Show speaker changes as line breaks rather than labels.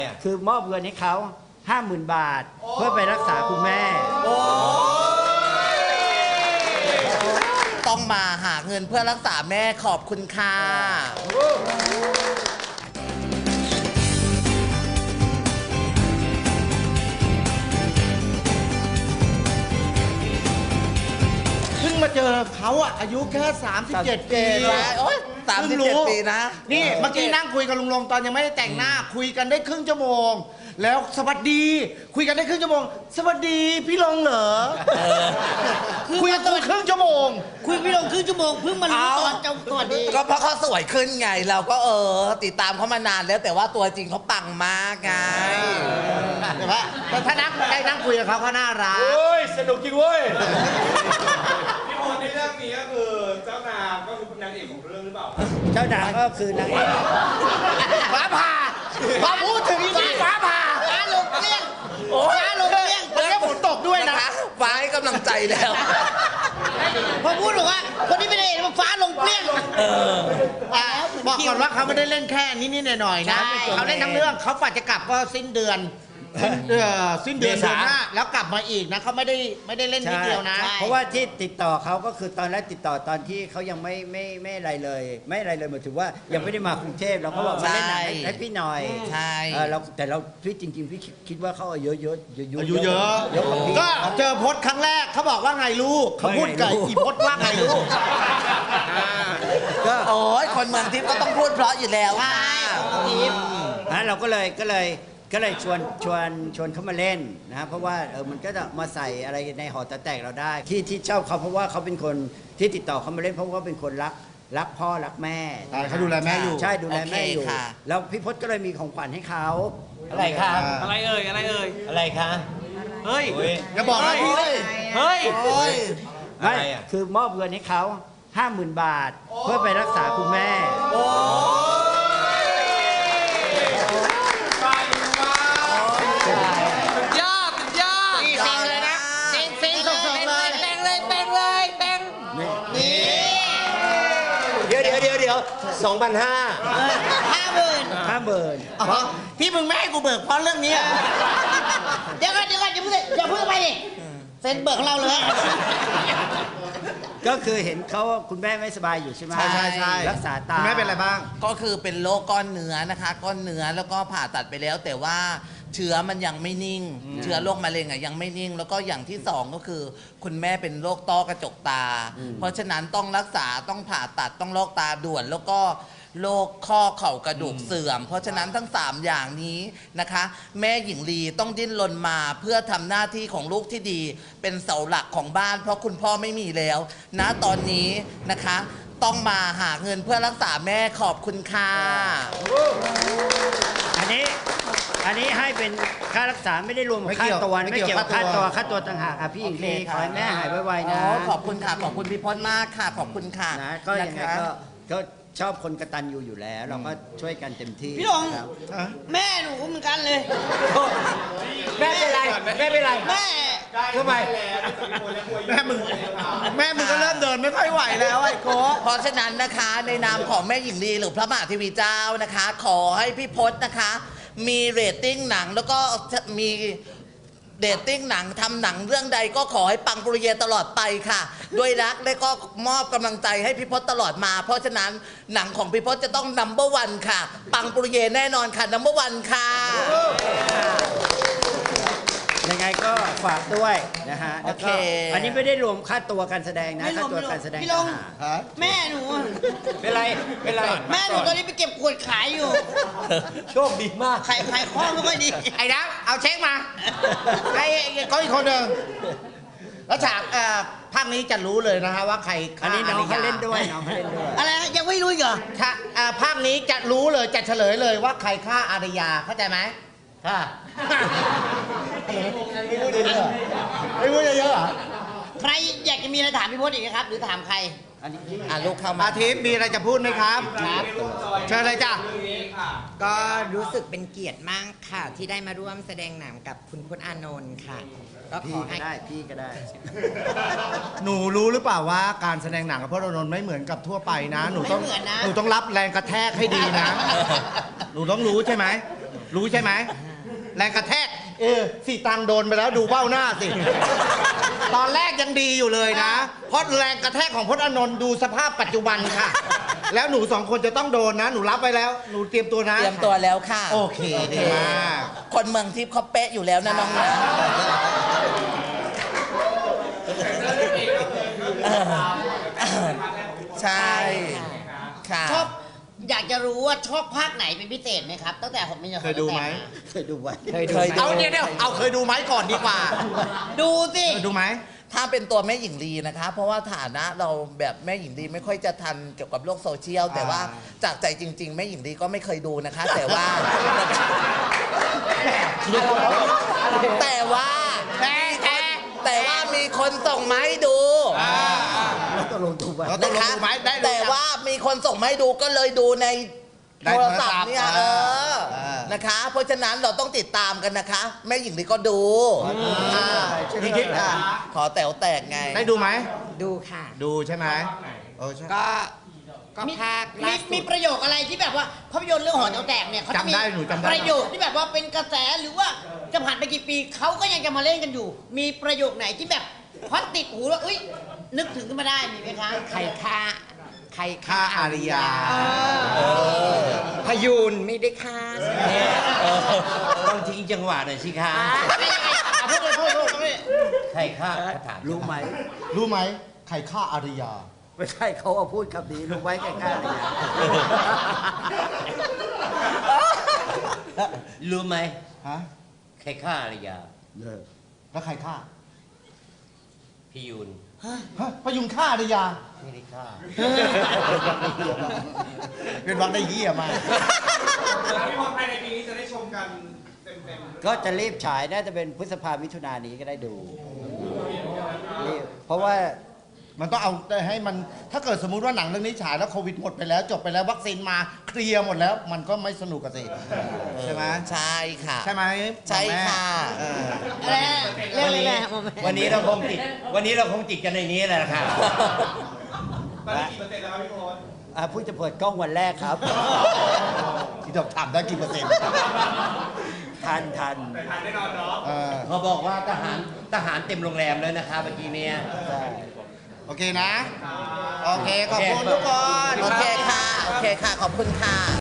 คือมอบเงินให้เขา 50,000 บาทเพื่อไปรักษาคุณแม่
ต้องมาหาเงินเพื่อรักษาแม่ขอบคุณค่ะ
เพิ่งมาเจอเขาอะอายุแค่37 ปี
โอ๊ย37 ปีนะ
นี่เมื่อกี้นั่งคุยกับลุงลงตอนยังไม่ได้แต่งหน้าคุยกันได้ครึ่งชั่วโมงแล้วสวัสดีคุยกันได้ครึ่งชั่วโมงสวัสดีพี่ลงเหรอคุยกันตัวครึ่งชั่วโมง
คุยพี่ลงครึ่งชั่วโมงเพิ่งมารู้ตอนเจ้าสวัสดี
ก็เพราะเขาสวยขึ้นไงเราก็ติดตามเขามานานแล้วแต่ว่าตัวจริงเขาปังมากไง
แต่ถ้านั่งคุยกับเขาเขาน่ารัก
เฮ้ยสนุกจริงเว้ย
พี่พลในเรื่องนี้ก็คือเจ้านางก็คือนางเอกของเรื่องหรือเปล่า
เจ้านางก็คือนางเอก
ฟ้าผ่าพอพูดถึงนี่ฟ้าผ่า
ฟ้าลงเปรี้ยงฟ้าลงเปรี้ยง
แล้วฝนตกด้วยนะ
ฟ้าให้กำลังใจแล้ว
พอพูดบอกว่าคนที่ไม่ได้มันฟ้าลงเปรี้ยง
บอกก่อนว่าเขาไม่ได้เล่นแค่นิดๆหน่อยๆนะเขาเล่นทั้งเรื่องเขาฝันจะกลับก็สิ้นเดือนเดือนหน้าแล้วกลับมาอีกนะเขาไม่ได้เล่นนิดเดียวนะ
เพราะว่าที่ติดต่อเขาก็คือตอนแรกติดต่อตอนที่เขายังไม่อะไรเลยหมายถึงว่ายังไม่ได้มากรุงเทพเราก็บอกมาเล่นหนังให้พี่หน่อย
ใช่
แต่เราพี่จริงๆพี่คิดว่าเขาอายุเยอะ
ก็เจอพจน์ครั้งแรกเขาบอกว่าไงลูกเขาพูดกับอีพจน์ว่าไงลูก
ก็โอ้ยคนเมืองทิพย์ก็ต้องพูดเพราะอยู่แล้ว
ใช่ทิพย์
เราก็เลยชวนเขามาเล่นนะเพราะว่ามันก็จะมาใส่อะไรในหอแตกเราได้ที่ชอบเขาเพราะว่าเขาเป็นคนที่ติดต่อเขามาเล่นเพราะว่าเป็นคนรักพ่อรักแม่
เขาดูแลแม่อยู่
ใช่ดูแลแม่อยู่แล้วพี่พจน์ก็เลยมีของขวัญให้เขา
อะไรคะ
อะไรเอ่ย
อะไรคะ
เฮ้ย
อย่าบอกนะพี่
เฮ้ย
ไม่คือมอบเงินให้เขา 50,000 บาทเพื่อไปรักษาคุณแม่
เดี๋ยว
50,000ที่มึงไม่ให้กูเบิกเพราะเรื่องนี้
เดี๋ยวก่อนอย่าพูดไปดิเซ็นเบิกของเราเลย
ก็คือเห็นเขาคุณแม่ไม่สบายอยู่ใช่ไหม
ใช่
รักษาตา
คุณแม่เป็นอะไรบ้าง
ก็คือเป็นโรคก้อนเนื้อนะคะก้อนเนื้อแล้วก็ผ่าตัดไปแล้วแต่ว่าเชื้อมันยังไม่นิ่งเชื้อโรคมะเร็งยังไม่นิ่งแล้วก็อย่างที่2ก็คือคุณแม่เป็นโรคต้อกระจกตาเพราะฉะนั้นต้องรักษาต้องผ่าตัดต้องลอกตาด่วนแล้วก็โรคข้อเข่ากระดูกเสื่อมเพราะฉะนั้นทั้ง3อย่างนี้นะคะแม่หญิงลีต้องดิ้นรนมาเพื่อทำหน้าที่ของลูกที่ดีเป็นเสาหลักของบ้านเพราะคุณพ่อไม่มีแล้วณตอนนี้นะคะต้องมาหาเงินเพื่อรักษาแม่ขอบคุณค่ะ
อันนี้ให้เป็นค่ารักษาไม่ได้รวมค่าตัวไม่เกี่ยวกับค่าตัวต่างหากค่ะพี่หญิงลีขอให้แม่หายไวๆนะ
ขอบคุณค่ะขอบคุณพี่พจน์มากค่ะขอบคุณค่ะ
นะก็ยังไงก็ชอบคนกตัญญูอยู่แล้วเราก็ช่วยกันเต็มที่
พี่ลงแม่หนูเหมือนกันเลย
แม่เป็นไร
แม่
ทำไม
แม่มึงก็เริ่มเดินไม่ค่อยไหวแล้วไอ้โก้
เพราะฉะนั้นนะคะในนามของแม่หญิงลีหรือพระมหาเทวีเจ้านะคะขอให้พี่พจน์นะคะมีเรตติ้งหนังแล้วก็มีเดตติ้งหนังทำหนังเรื่องใดก็ขอให้ปังปรุเยตลอดไปค่ะด้วยรักและก็มอบกำลังใจให้พี่พจน์ตลอดมาเพราะฉะนั้นหนังของพี่พจน์จะต้องนัมเบอร์1ค่ะปังปรุเยแน่นอนค่ะนัมเบอร์1ค่ะ
ยังไงก็ฝากด้วยนะฮะแล้วก็อันนี้ไม่ได้รวมค่าตัวการแสดงนะค่าตัวการแสดง
พี่ลงแม่หนู
เป็นไร
แม่หนูตอนนี้ไปเก็บขวดขายอยู่
โชคดีมาก
ขายข้อไม่ค่อยดี
ไอ้ดับเอาเช็คมาไอ้ก็อีกคนหนึ่งแล้วฉากภาคนี้จะรู้เลยนะฮะว่าใคร
อันนี้น้องเขาเล่นด้วย
อะไรยังไม่รู้เหรอ
ภาคนี้จะรู้เลยจะเฉลยเลยว่าใครฆ่าอารยาเข้าใจไหมค่ะไม่พูดเยอะ
ใครอยากจะมีอะไรถามพี่พจน์อีกครับหรือถามใคร
ลูกเข้ามา
อาทิตย์มีอะไรจะพูดไหมครับเชิญเลยจ้ะ
ก็รู้สึกเป็นเกียรติมากค่ะที่ได้มาร่วมแสดงหนังกับคุณพจน์อานนท์ค่ะก็ขอให้
พี่ก็ได้
หนูรู้หรือเปล่าว่าการแสดงหนังกับพจน์อานนท์ไม่เหมือนกับทั่วไปนะหนูต้องรับแรงกระแทกให้ดีนะหนูต้องรู้ใช่ไหมรู้ใช่ไหมแรงกระแทกสีตังโดนไปแล้วดูเบ้าหน้าสิ ตอนแรกยังดีอยู่เลยนะ เพราะแรงกระแทกของพจน์อานนท์ดูสภาพปัจจุบันค่ะ แล้วหนู2 คนจะต้องโดนนะ หนูรับไปแล้ว หนูเตรียมตัวนะ
เตรียมตัวแล้วค่ะ
โอเคดีมาก
คนเมืองทิพย์เขาเป๊ะอยู่แล้วนะน้องนะใช่ค่ะ
ชอบอยากจะรู้ว่าชอบภาคไหนเป็นพิเศษไหมครับ ตั้งแต่ผมเป็น
เคยดูไหม
เคยดูไว้
เคยดู
เอาเดี๋ยวเอาเคยดูไหมก่อนดีกว่า
ดูสิ
เคยดูไหม
ถ้าเป็นตัวแม่หญิงลีนะคะ เพราะว่าฐานะเราแบบแม่หญิงลีไม่ค่อยจะทันเกี่ยวกับโลกโซเชียล แต่ว่าจากใจจริง ๆ แม่หญิงลีก็ไม่เคยดูนะคะ แต่ว่า แต่ว่ามีคนส่งมาให้ดู
แล้วตกลงดูไว้
แล้วตกลงดูไหมได้ดู
แต่ว่ามีคนส่งมาให้ดูก็เลยดูใน
ได้
โท
โท
ร
รศั
ศัพ
พท์
ท์เนี่ยนะคะ เพราะฉะนั้นเราต้องติดตามกันนะคะ แม่หญิงลีก็ดู
พี่คิด
ขอแต๋วแตกไง
ได้ดูไหม
ดูค่ะ
ดูใช่ไหมใช่
ก็
มี
ภาคล่าสุ
มี
ด
ประโยคอะไรที่แบบว่าภาพยนตร์เรื่องหอแต๋วแตกเนี่ยเขาจะมี
จำได้หนูจำได้
ประโยคที่แบบว่าเป็นกระแสหรือว่าจะผ่านไปกี่ปีเขาก็ยังจะมาเล่นกันอยู่ มีประโยคไหนที่แบบพอติดหูแล้วอุ้ยนึกถึงขึ้นมาได้มีไหมคะ
ใครฆ่า
ฆ่าอาริยา
พยูนไม่ได้ฆ่า
ต้องทิ้งจังหวะหน่อยสิคะ
ไม่ยังไงอ่ะพูดเลยพูด
ใครฆ่าถาม
รู้ไหม
รู้ไหมใครฆ่าอาริยา
ไม่ใช่เขาเอาพูดคำนี้รู้ไว้ใกล้ๆเลยนะ
รู้ไหม
ฮะ
ใครฆ่าอารยา
แล้วใครฆ่า
พี่ยูน
ฮะพยุงฆ่าอาริยา
ไม่ได้ฆ่า
เป็นวักได้เหี้ยมาก
พี่พรภายในปีนี้จะได้ชมกันเต็มๆ
ก็จะรีบฉายน่าจะเป็นพฤษภามิถุนายนนี้ก็ได้ดูรีบเพราะว่า
มันต้องเอาให้มันถ้าเกิดสมมุติว่าหนังเรื่องนี้ฉายแล้วโควิดหมดไปแล้วจบไปแล้ววัคซีนมาเคลียร์หมดแล้ว มันก็ไม่สนุกกันสิใช่ไหม
ใช่ค่ะ
ใช่ไหม
ใช่ค่ะ
แม่
อะไรเรื่องอะไรแม่
วันนี้เราคงติดกันในนี้แหละค่ะ
ตอนนี้กี่เปอร์เซ็นต์แล้วครับพี่พร
เพิ่งจะเปิดกล้องวันแรกครับ
ที่จะถามได้กี่เปอร์เซ็นต์
ทัน
แต่ทานแน่นอนเนาะ
เขาบอกว่าทหารเต็มโรงแรมเลยนะคะเมื่อกี้เนี่ย
ใช่
โอเคนะ โอเค ขอบคุณทุกคน
โอเคค่ะ โอเคค่ะ ขอบคุณค่ะ